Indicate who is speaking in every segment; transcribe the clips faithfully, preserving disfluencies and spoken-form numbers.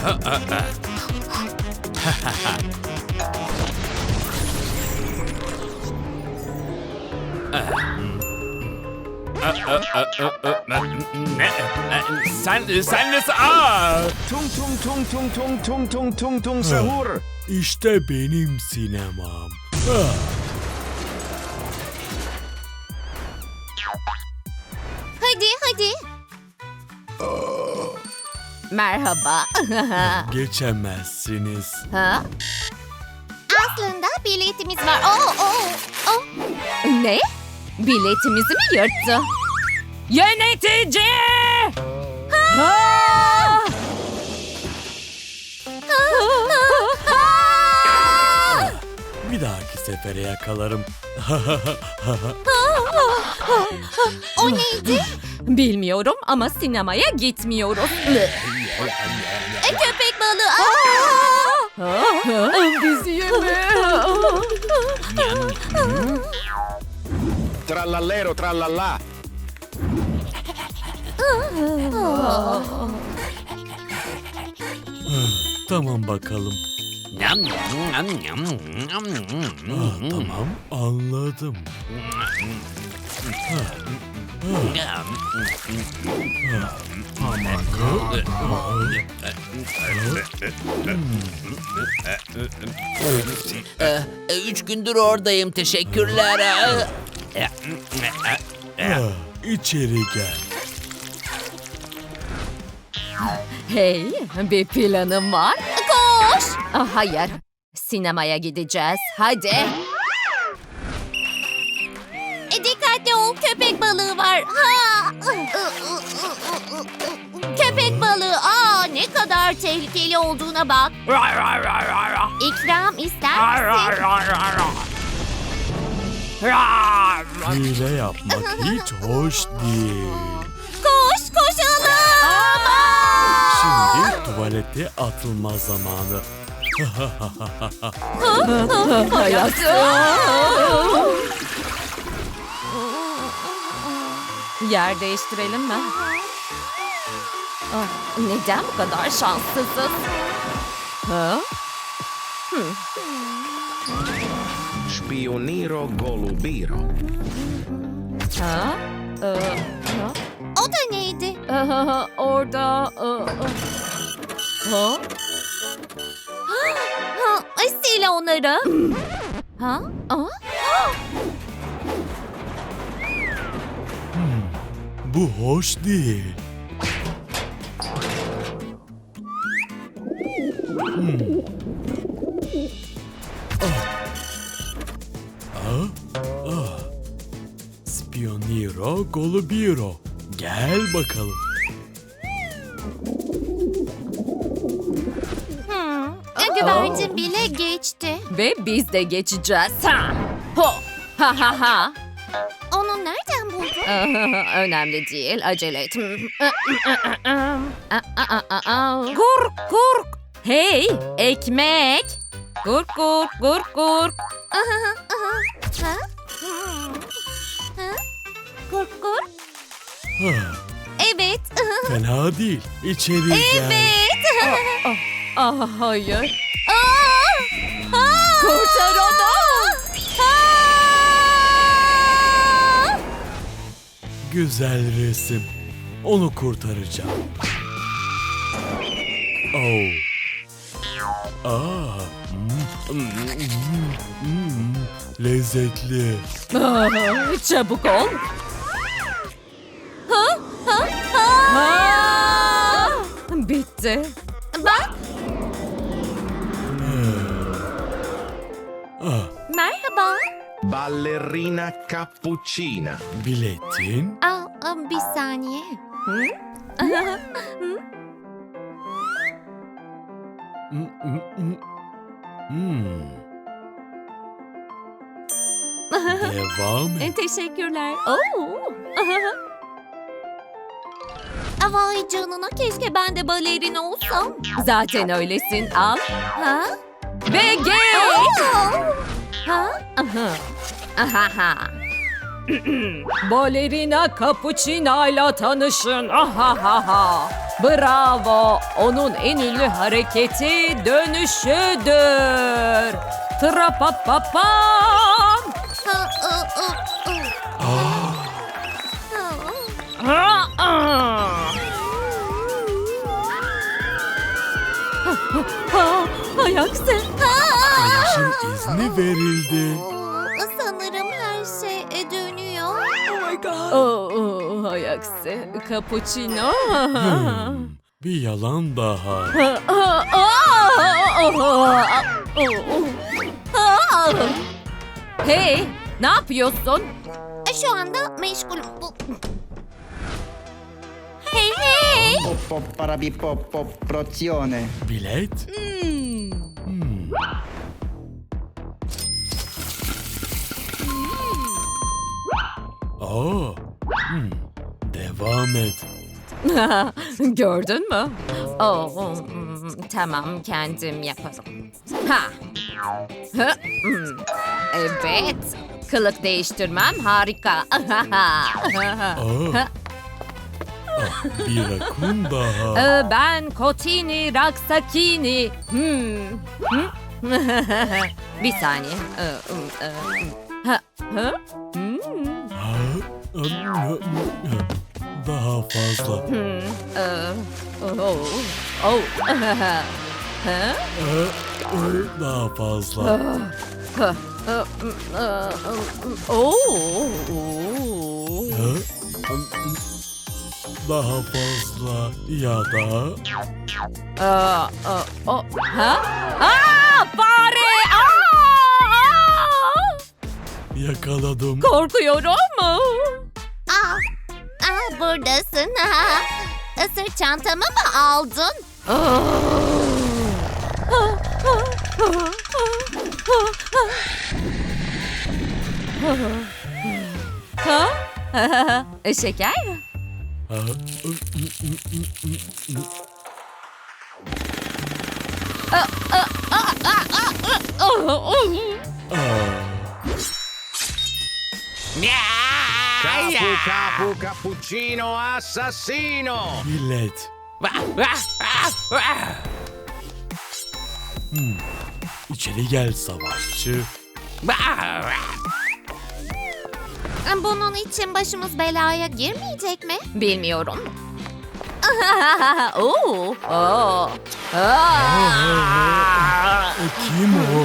Speaker 1: Ne? Sen, sen nasıl? Aa!
Speaker 2: Tung tung tung tung tung tung tung tung tung sahur.
Speaker 3: İşte benim sinemam. Ah,
Speaker 4: Hadi hadi. Merhaba.
Speaker 3: geçemezsiniz.
Speaker 4: Ha? Aslında biletimiz var. Oo, oo, oo. Ne? Biletimizi mi yırttı? Yönetici! Ha!
Speaker 3: Bir dahaki sefere yakalarım.
Speaker 4: O neydi? Bilmiyorum ama sinemaya gitmiyoruz. E, köpek balığı. Aa! Bizi yeme.
Speaker 2: Trallallero trallallà.
Speaker 3: Tamam bakalım.
Speaker 1: Yam, yam, yam, yam, yam,
Speaker 3: Ah, tamam, anladım.
Speaker 5: Ee, üç gündür oradayım. Teşekkürler. Ee,
Speaker 3: Ah, içeri gel.
Speaker 4: Hey, bir planım var. Koş. Ah, hayır, sinemaya gideceğiz. Hadi. E, dikkatli ol, köpek balığı var. Ha. Köpek balığı. Aa, ne kadar tehlikeli olduğuna bak. İkram ister misin?
Speaker 3: Hile yapmak hiç hoş değil.
Speaker 4: Koş, koşalım.
Speaker 3: Şimdi tuvalete atılma zamanı.
Speaker 4: Yer değiştirelim mi? Ah, neden bu kadar şanssızız? Ha?
Speaker 2: Spioniro golubiro.
Speaker 4: Ha? Ee, ha? O da neydi? Orada... e, e. Ha? Ha, sil onları. Ha? Aa?
Speaker 3: Bu hoş değil. Hmm. Ah. Ah. Ah. Spioniro golubiro. Gel bakalım.
Speaker 4: Hmm. Güvercin bile geçti. Ve biz de geçeceğiz. Ha! Ho! Ha ha ha! Onu nereden buldun? Önemli değil. Acele et. Gurk gurk. Hey, ekmek. Gurk gurk gurk gurk. Ha? Gurk gurk.
Speaker 3: Ah,
Speaker 4: Evet.
Speaker 3: fena değil. İçeri gel.
Speaker 4: Evet. Ah, hayır. Kurtar onu.
Speaker 3: Güzel resim. Onu kurtaracağım. Oh. Aa. Mm, mm, mm, mm. Lezzetli.
Speaker 4: Ah, çabuk ol. Ha? Ha? Ha? Bitti. Bak.
Speaker 3: Ah,
Speaker 4: Merhaba.
Speaker 2: Ballerina cappuccina.
Speaker 3: biletin.
Speaker 4: Aa, aa, bir saniye. Hı?
Speaker 3: Mm, mm, mm. Hmm. Devam et.
Speaker 4: Teşekkürler. Oo. Vay canına, keşke ben de balerin olsam. Zaten öylesin, al. Ha? Ve geç. Ha? Aha. Aha. Balerina Cappuccina ile tanışın. Ahahaha. Bravo. Onun en ünlü hareketi dönüşüdür. Trapapapam. Ayaksı.
Speaker 3: Dönüşüm izni verildi.
Speaker 6: Sanırım her şey dönüyor.
Speaker 4: Oh, Ayaksı. Cappuccino.
Speaker 3: Hmm, bir yalan daha.
Speaker 4: Hey, ne yapıyorsun?
Speaker 6: Şu anda meşgulüm. Bu- Hey hey!
Speaker 2: Poppo parabipoppo prozione.
Speaker 3: Bilet? Hmm. Aa, hmm. Devam et.
Speaker 4: Gördün mü? Oh, hmm, tamam, kendim yaparım. Ha. Hı, hmm. Evet. Kılık değiştirmem harika.
Speaker 3: Aa. Ah, bir rakun daha.
Speaker 4: Ee, ben Kotini Raksakini. Hmm. Hı? Bir saniye. Ee, ım, e, ha, ha? Hmm.
Speaker 3: Ha, ım, daha fazla.
Speaker 4: Hmm. Ee, oh, oh. Ha?
Speaker 3: Ee, e, daha fazla.
Speaker 4: Ha, e, ım, e, ım, oh, oh.
Speaker 3: Ha, ım, ım, daha fazla ya da
Speaker 4: Aa, aa, o, ha? Aa, fare! Aa, aa!
Speaker 3: yakaladım.
Speaker 4: Korkuyorum.
Speaker 6: Aa, aa, buradasın. Sırt çantamı mı aldın?
Speaker 4: Ha? Şeker?
Speaker 3: Ha, ım, ım, ım, ım, ım, ım. Aa,
Speaker 2: Capu capu cappuccino assassino.
Speaker 3: bilet. Hmm. İçeri gel savaşçı.
Speaker 6: Bunun için başımız belaya girmeyecek mi?
Speaker 4: Bilmiyorum. Oo. Oo. Aa.
Speaker 3: E, kim o?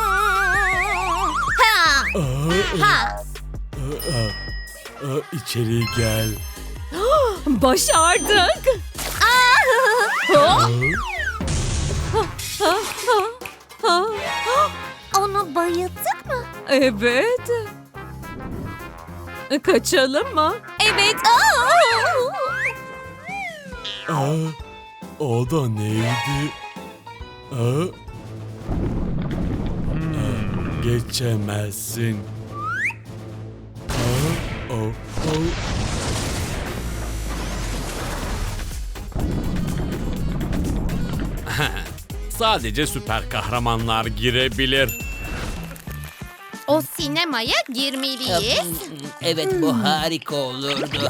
Speaker 6: Ha!
Speaker 3: Aa,
Speaker 6: Ha!
Speaker 3: aa, aa, aa, içeri gel.
Speaker 4: Başardık.
Speaker 3: Aa,
Speaker 6: Onu bayılttık mı?
Speaker 4: Evet. Kaçalım mı?
Speaker 6: Evet.
Speaker 3: aa, o da neydi? Aa, aa, geçemezsin. Aa, o, o.
Speaker 1: Sadece süper kahramanlar girebilir.
Speaker 6: O sinemaya girmeliyiz.
Speaker 5: Evet, bu harika olurdu.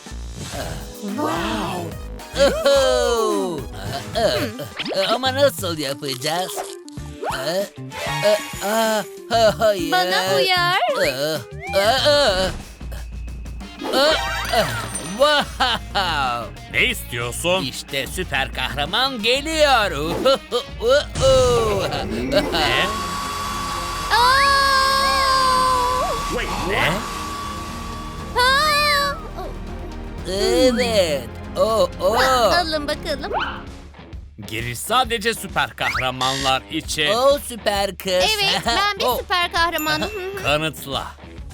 Speaker 5: Wow. Oho. Ama nasıl yapacağız? Aa, aa, aa, hayır.
Speaker 6: Bana uyar.
Speaker 5: Aa, aa, aa. Aa, wow.
Speaker 1: Ne istiyorsun?
Speaker 5: İşte süper kahraman geliyor.
Speaker 1: Ne? Ne?
Speaker 5: Evet. Oh, oh.
Speaker 6: Alın bakalım.
Speaker 1: Giriş sadece süper kahramanlar için.
Speaker 5: Oh, süper kız.
Speaker 6: Evet, ben bir
Speaker 5: Oh.
Speaker 6: süper kahramanım.
Speaker 1: Kanıtla.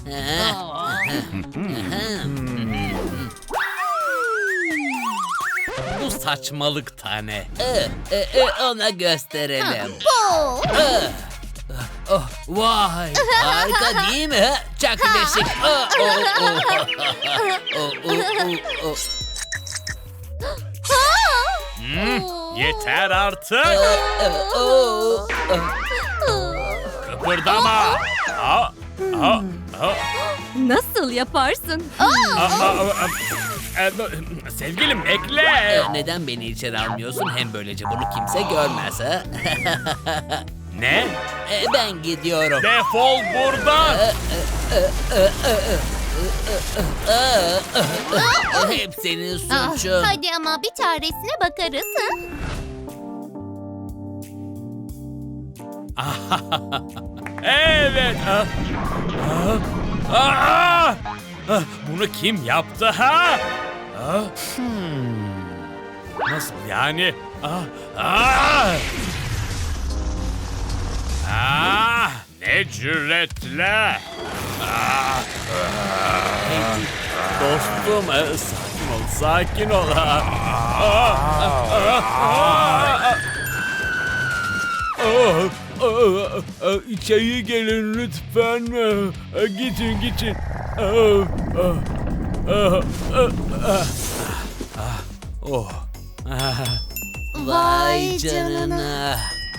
Speaker 1: Bu saçmalık tane.
Speaker 5: Ee, e, e, ona gösterelim.
Speaker 6: Bu.
Speaker 5: Oh, vay, harika değil mi? ha? Çok beşik. Oh, oh, oh. Oh, oh, oh, oh.
Speaker 1: Hmm, yeter artık.
Speaker 5: Oh, oh, oh.
Speaker 1: Kıpırdama. Aa, aa, aa,
Speaker 4: Nasıl yaparsın?
Speaker 1: aa, aa, aa. e, sevgilim bekle.
Speaker 5: Ee, neden beni içeri almıyorsun? Hem böylece bunu kimse görmez ha?
Speaker 1: Ne?
Speaker 5: Ee, ben gidiyorum.
Speaker 1: Defol buradan.
Speaker 5: Hep senin
Speaker 6: Ah,
Speaker 5: suçun.
Speaker 6: hadi ama bir çaresine bakarız. Ha?
Speaker 1: Evet. Ah. Ah. Ah. Ah. Bunu kim yaptı ha? Ah. Hmm. Nasıl yani? Ah. Ah. Ah. Ne cüretle. Ah. Dostum, e, sakin ol, sakin ol. Ah. Ah. Ah. Ah. Ah, ah, ah, İçeri gelin lütfen. Ah, Gidin gidin. Ah, ah, ah, ah, ah, ah, Oh. Ah,
Speaker 5: Vay canına.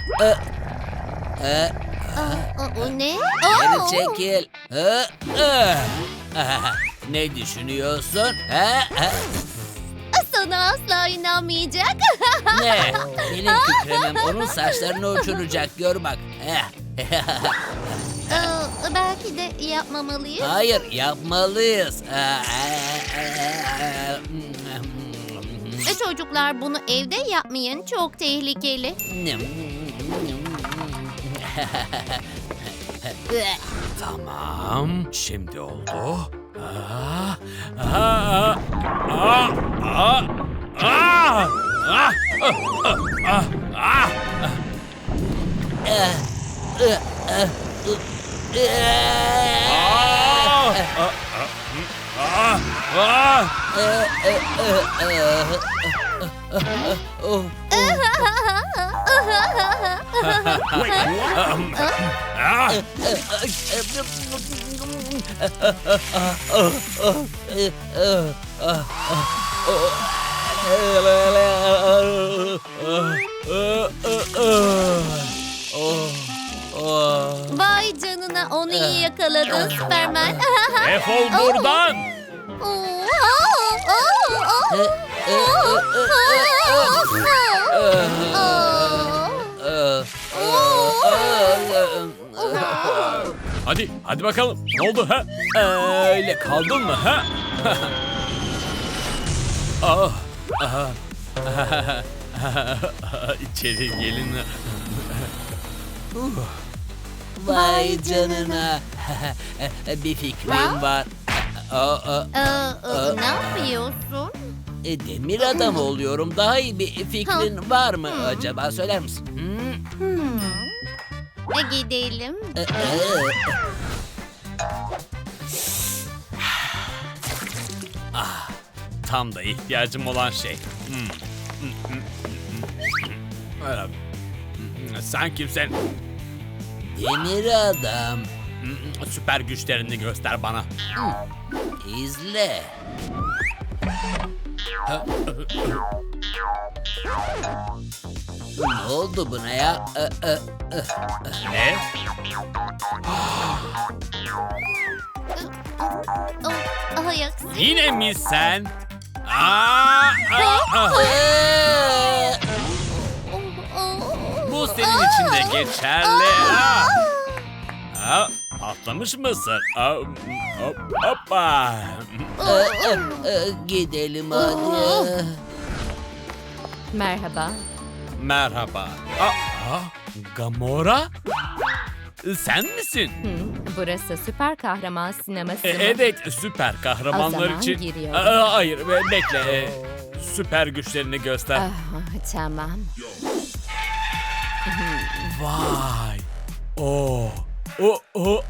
Speaker 6: Aa, o ne?
Speaker 5: Geri
Speaker 6: Aa!
Speaker 5: çekil. Hı, hı. Ah, Ne düşünüyorsun? Ha? Ha?
Speaker 6: Sana asla inanmayacak.
Speaker 5: Ne? Benim kükremem onun saçlarını uçuracak. Gör bak. Eh.
Speaker 6: Aa, belki de yapmamalıyız.
Speaker 5: Hayır, yapmalıyız.
Speaker 6: E, Çocuklar bunu evde yapmayın. Çok tehlikeli.
Speaker 1: Tamam, şimdi oldu. Ah, ah, ah, ah, ah, ah, ah, ah, ah, ah. Ah, ah, ah.
Speaker 6: Vay canına, onu iyi yakaladın Süpermen.
Speaker 1: Defol buradan. Hadi, hadi bakalım. Ne oldu ha? Öyle kaldın mı ha? Ah, ah, İçeri gelin.
Speaker 5: Vay canına. Bir fikrim var. Aa, aa,
Speaker 6: Aa, ne yapıyorsun?
Speaker 5: e, Demir adam oluyorum. Daha iyi bir fikrin var mı acaba? Söyler misin? Hmm?
Speaker 6: Hmm. E, gidelim.
Speaker 5: E, e,
Speaker 1: Tam da ihtiyacım olan şey. Hmm. Öyle. Sen kimsin?
Speaker 5: Demir adam.
Speaker 1: Süper güçlerini göster bana.
Speaker 5: İzle. Ne oldu buna ya? E, e,
Speaker 1: Ne?
Speaker 6: Oh, ayaksın.
Speaker 1: Yine mi sen? Aa, aa, aa.
Speaker 5: e.
Speaker 1: Bu senin için de geçerli. Aa. Aa, patlamış mısın? Aa, hop, hoppa.
Speaker 5: E, e, e, Gidelim hadi.
Speaker 4: Merhaba.
Speaker 1: Merhaba. Aa, Gamora? Sen misin?
Speaker 4: Hı, burası süper kahraman sineması
Speaker 1: E,
Speaker 4: mı?
Speaker 1: evet, süper kahramanlar
Speaker 4: O zaman
Speaker 1: için.
Speaker 4: giriyorum.
Speaker 1: Aa, hayır, be- bekle. E, süper güçlerini göster.
Speaker 4: Ah, tamam.
Speaker 1: Vay. Oo. O o.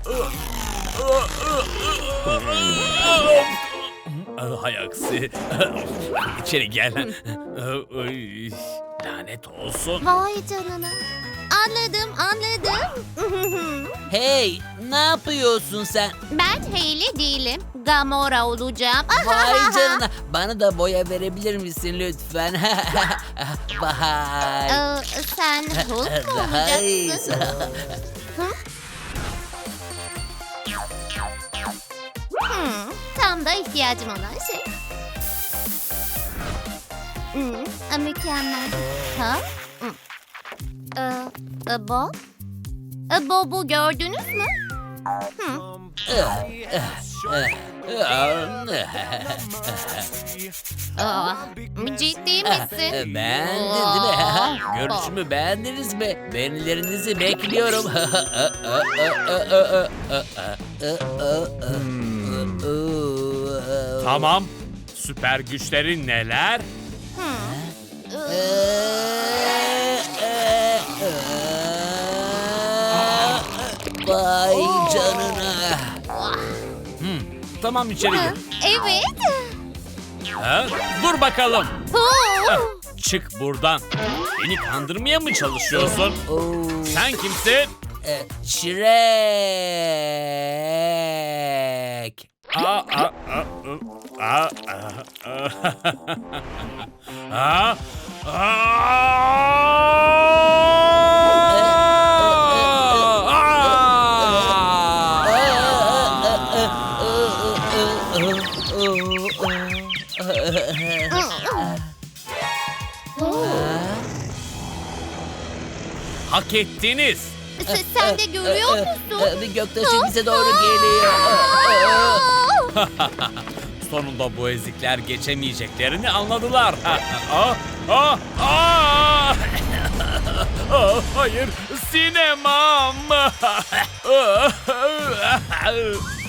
Speaker 1: Hay aksi. İçeri gel. Ay, lanet olsun.
Speaker 6: Vay canına. Anladım, anladım.
Speaker 5: Hey, ne yapıyorsun sen?
Speaker 6: Ben Hayley değilim. Gamora olacağım.
Speaker 5: Vay canına. Bana da boya verebilir misin lütfen? Vay.
Speaker 6: Ee, sen Hulk mu
Speaker 5: Daha iyi.
Speaker 6: olacaksın? Hmm, tam da ihtiyacım olan şey. Hmm, mükemmel. Ha? Hmm. Ee, e, Bob? E, Bob'u gördünüz mü? Hmm. Aa, ciddi misin?
Speaker 5: Beğendin değil mi? Görüşümü beğendiniz mi? Beğenilerinizi bekliyorum.
Speaker 1: Tamam. Süper güçlerin neler?
Speaker 5: Vay canına.
Speaker 1: Tamam içeri gir.
Speaker 6: Evet.
Speaker 1: Ha? Dur bakalım.
Speaker 6: Oo.
Speaker 1: Çık buradan. Beni kandırmaya mı çalışıyorsun?
Speaker 5: Oo.
Speaker 1: Sen kimsin?
Speaker 5: E, Shrek.
Speaker 1: Aa, aa, aa, aa, aa, aa, Hak ettiniz.
Speaker 6: Sen, sen de görüyor musun?
Speaker 5: Bir göktaşı bize doğru geliyor.
Speaker 1: Sonunda bu ezikler geçemeyeceklerini anladılar. Aa, aa, aa! Aa, hayır, sinemam.